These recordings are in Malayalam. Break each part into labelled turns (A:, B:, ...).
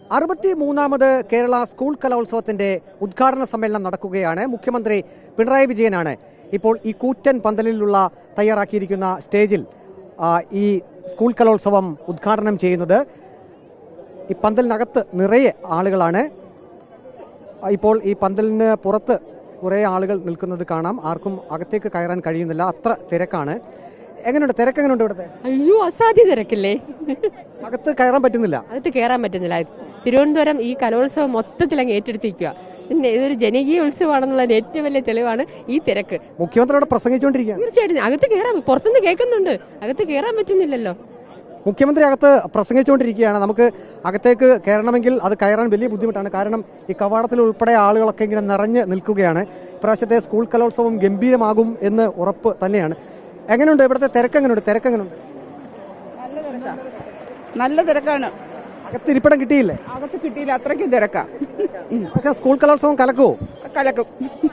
A: 63ാമത് കേരള സ്കൂൾ കലോത്സവത്തിന്റെ ഉദ്ഘാടന സമ്മേളനം നടക്കുകയാണ്. മുഖ്യമന്ത്രി പിണറായി വിജയനാണ് ഇപ്പോൾ ഈ കൂറ്റൻ പന്തലിലുള്ള തയ്യാറാക്കിയിരിക്കുന്ന സ്റ്റേജിൽ ഈ സ്കൂൾ കലോത്സവം ഉദ്ഘാടനം ചെയ്യുന്നത്. ഈ പന്തലിനകത്ത് നിറയെ ആളുകളാണ്. ഇപ്പോൾ ഈ പന്തലിന് പുറത്ത് കുറേ ആളുകൾ നിൽക്കുന്നത് കാണാം. ആർക്കും അകത്തേക്ക് കയറാൻ കഴിയുന്നില്ല, അത്ര തിരക്കാണ്. എങ്ങനെയുണ്ട് തിരക്ക്? എങ്ങനെയുണ്ട് ഇവിടുത്തെ?
B: അയ്യോ, അസാധ്യ തിരക്കില്ലേ.
A: അകത്ത് കയറാൻ പറ്റുന്നില്ല.
B: തിരുവനന്തപുരം ഈ കലോത്സവം മൊത്തത്തിൽ അങ്ങ് ഏറ്റെടുത്തിരിക്കുക. പിന്നെ ഇതൊരു ജനകീയ ഉത്സവമാണെന്നുള്ളതിന് ഏറ്റവും വലിയ തെളിവാണ് ഈ തിരക്ക്.
A: മുഖ്യമന്ത്രിയോട് പ്രസംഗിച്ചുകൊണ്ടിരിക്കുക.
B: തീർച്ചയായിട്ടും അകത്ത് കയറാം, പുറത്തുനിന്ന് കേൾക്കുന്നുണ്ട്, അകത്ത് കയറാൻ പറ്റുന്നില്ലല്ലോ.
A: മുഖ്യമന്ത്രി അകത്ത് പ്രസംഗിച്ചുകൊണ്ടിരിക്കുകയാണ്. നമുക്ക് അകത്തേക്ക് കയറണമെങ്കിൽ അത് കയറാൻ വലിയ ബുദ്ധിമുട്ടാണ്. കാരണം ഈ കവാടത്തിൽ ഉൾപ്പെടെ ആളുകളൊക്കെ ഇങ്ങനെ നിറഞ്ഞ് നിൽക്കുകയാണ്. ഇപ്രാവശ്യത്തെ സ്കൂൾ കലോത്സവം ഗംഭീരമാകും എന്ന് ഉറപ്പ് തന്നെയാണ്. എങ്ങനെയുണ്ട് ഇവിടുത്തെ തിരക്ക്? എങ്ങനെയുണ്ട്?
C: നല്ല തിരക്കാണ്.
A: അകത്ത് ഇരിപ്പിടം കിട്ടിയില്ലേ?
C: അകത്ത് കിട്ടിയില്ല, അത്രയ്ക്കും തിരക്കാ.
A: പക്ഷേ സ്കൂൾ കലോത്സവം കലക്കുമോ?
C: കലക്കും.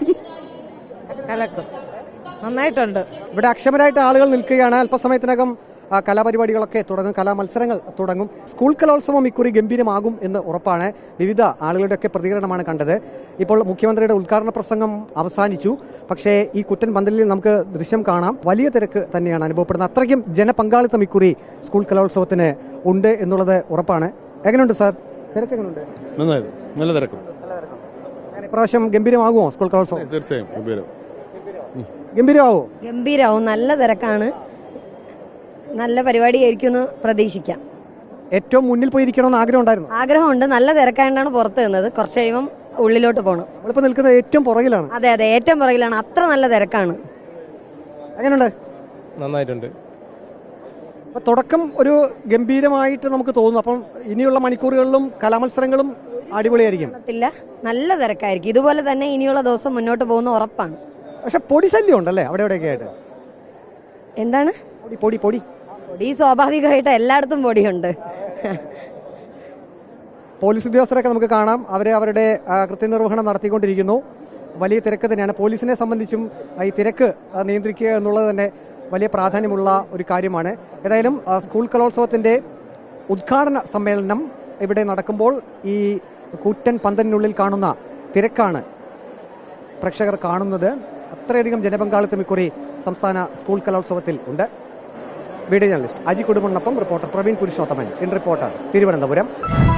B: നന്നായിട്ടുണ്ട്.
A: ഇവിടെ അക്ഷമരായിട്ട് ആളുകൾ നിൽക്കുകയാണ്. അല്പസമയത്തിനകം കലാപരിപാടികളൊക്കെ തുടങ്ങും, കലാമത്സരങ്ങൾ തുടങ്ങും. സ്കൂൾ കലോത്സവം ഇക്കുറി ഗംഭീരമാകും എന്ന് ഉറപ്പാണ്. വിവിധ ആളുകളുടെയൊക്കെ പ്രതികരണമാണ് കണ്ടത്. ഇപ്പോൾ മുഖ്യമന്ത്രിയുടെ ഉദ്ഘാടന പ്രസംഗം അവസാനിച്ചു. പക്ഷേ ഈ കുറ്റൻ പന്തലിൽ നമുക്ക് ദൃശ്യം കാണാം. വലിയ തിരക്ക് തന്നെയാണ് അനുഭവപ്പെടുന്നത്. അത്രയ്ക്കും ജനപങ്കാളിത്തം ഇക്കുറി സ്കൂൾ കലോത്സവത്തിന് ഉണ്ട് എന്നുള്ളത് ഉറപ്പാണ്. എങ്ങനെയുണ്ട് സാർ, തിരക്ക് എങ്ങനെയുണ്ട്?
D: നല്ല തിരക്കും.
A: ഇപ്രാവശ്യം ഗംഭീരമാകുമോ സ്കൂൾ കലോത്സവം?
D: തീർച്ചയായും
A: ഗംഭീരമാവോ?
E: ഗംഭീരമാവും. നല്ല തിരക്കാണ്, നല്ല പരിപാടിയായിരിക്കും എന്ന് പ്രതീക്ഷിക്കാം.
A: ഏറ്റവും മുന്നിൽ പോയിരിക്കണമെന്ന് ആഗ്രഹം ഉണ്ടായിരുന്നു?
E: ആഗ്രഹമുണ്ട്. നല്ല തിരക്കായതുകൊണ്ടാണ് പുറത്ത് നിന്നത്. കുറച്ച് കഴിയുമ്പം ഉള്ളിലോട്ട് പോകണം.
A: നമ്മളിപ്പോ നിൽക്കുന്നത് ഏറ്റവും പുറകിലാണ്.
E: അതെ, ഏറ്റവും പുറകിലാണ്. അത്ര നല്ല തിരക്കാണ്.
A: എങ്ങനെയുണ്ട്?
D: നന്നായിട്ടുണ്ട്.
A: അപ്പൊ തുടക്കം ഒരു ഗംഭീരമായിട്ട് നമുക്ക് തോന്നുന്നു. അപ്പം ഇനിയുള്ള മണിക്കൂറുകളിലും കലാമത്സരങ്ങളും അടിപൊളിയായിരിക്കും.
E: നല്ല തിരക്കായിരിക്കും. ഇതുപോലെ തന്നെ ഇനിയുള്ള ദിവസം മുന്നോട്ട് പോകുന്ന ഉറപ്പാണ്.
A: പക്ഷെ പൊടി ശല്യം ഉണ്ടല്ലേ അവിടെ എവിടെയൊക്കെ ആയിട്ട്?
E: എന്താണ്
A: പൊടി?
E: പൊടി സ്വാഭാവികമായിട്ട് എല്ലായിടത്തും പൊടിയുണ്ട്.
A: പോലീസ് ഉദ്യോഗസ്ഥരൊക്കെ നമുക്ക് കാണാം. അവരുടെ കൃത്യനിർവഹണം നടത്തിക്കൊണ്ടിരിക്കുന്നു. വലിയ തിരക്ക് തന്നെയാണ്. പോലീസിനെ സംബന്ധിച്ചും ഈ തിരക്ക് നിയന്ത്രിക്കുക എന്നുള്ളത് തന്നെ വലിയ പ്രാധാന്യമുള്ള ഒരു കാര്യമാണ്. ഏതായാലും സ്കൂൾ കലോത്സവത്തിന്റെ ഉദ്ഘാടന സമ്മേളനം ഇവിടെ നടക്കുമ്പോൾ ഈ കൂറ്റൻ പന്തലിനുള്ളിൽ കാണുന്ന തിരക്കാണ് പ്രേക്ഷകർ കാണുന്നത്. അത്രയധികം ജനപങ്കാളിത്തം ഇക്കുറി സംസ്ഥാന സ്കൂൾ കലോത്സവത്തിൽ ഉണ്ട്. വീഡിയോ ജേർണലിസ്റ്റ് അജി കുടുംബനൊപ്പം reporter Praveen Purushothaman, in reporter, Thiruvananthapuram.